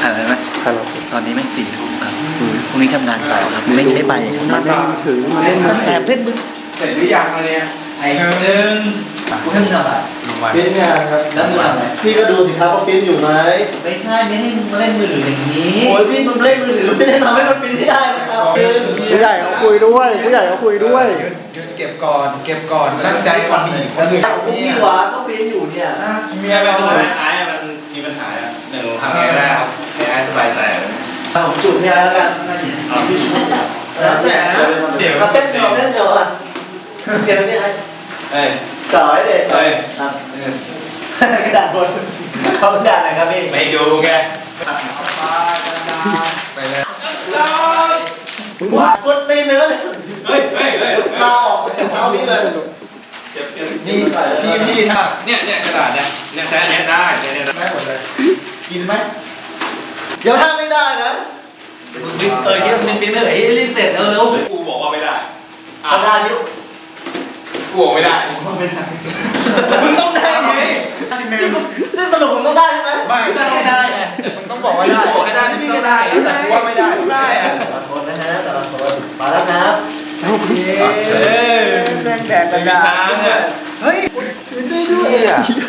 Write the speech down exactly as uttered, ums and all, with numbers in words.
นอะไรไหมฮัลโหลตอนนี้ไม่สี่ทุ่มครับพรุ่งนี้ทำงานต่อครับไม่ไม่ไปครับมาเล่นมือถือมาเล่นมือแอบเล่นมือเสร็จหรือยังอะไรเนี่ยไอ้หนึ่งกูให้มึงทำอะไรปิ้นงานครับแล้วมึงทำอะไรพี่ก็ดูสิครับว่าปิ้นอยู่ไหมไม่ใช่ไม่ให้มึงมาเล่นมือถืออย่างนี้โอ้ยพี่มันเล่นมือถือไม่ได้ทำให้มันปิ้นไม่ได้นะครับผู้ใหญ่เขาคุยด้วยผู้ใหญ่เขาคุยด้วยยืนเก็บก่อนเก็บก่อนตั้งใจก่อนนี่คนอื่นจากพวกพี่วะก็ปิ้นอยู่เนี่ยเมียไปทำทำไมไมไอ้มันมีปัญหาอ่ะหนึ่งทำไงก็ได้ครับให้ไอ้สบายใจเลยผมจุดเนี่ยแล้วกันเอาพี่แล้วแต่เดี๋ยวเต้นโชว์เต้นโชว์อ่ะเก็บไม่ให้เอ้ยจ่อยเด็กเอ้ยครับกระดาษบนเขากระดาษไหนครับพี่ไม่ดูแกไปเลยว้ากดตีนเลยแล้วเนี่ยเฮ้ยเฮ้ยเฮ้ยลาออกจากเท้านี้เลยเจ็บเจ็บนี่พี่พี่ถ้าเนี่ยเนี่ยกระดาษเนี่ยเนี่ยใช้อันเนี้ยได้เนี่ยเนี่ยได้หมดเลย กินไหมเดี๋ยวถ้าไม่ได้นะเออที่มันเป็นไม่เหลือรีบเสร็จเร็วกูบอกว่าไม่ได้เอาได้ยุกูบอกไม่ได้ไม่ได้มึงต้องได้ไงนี่สรุปผมต้องได้ใช่ไหมไม่ๆไม่ได้ไงมันต้องบอกว่าได้บอกให้ได้ไม่มีก็ได้แต่กูว่าไม่ได้ได้อะแต่ละคนนะฮะแต่ละคนมาแล้วครับเฮ้ยแดงแดงกระดาษช้างอ่ะเฮ้ยได้ด้วยอ่ะ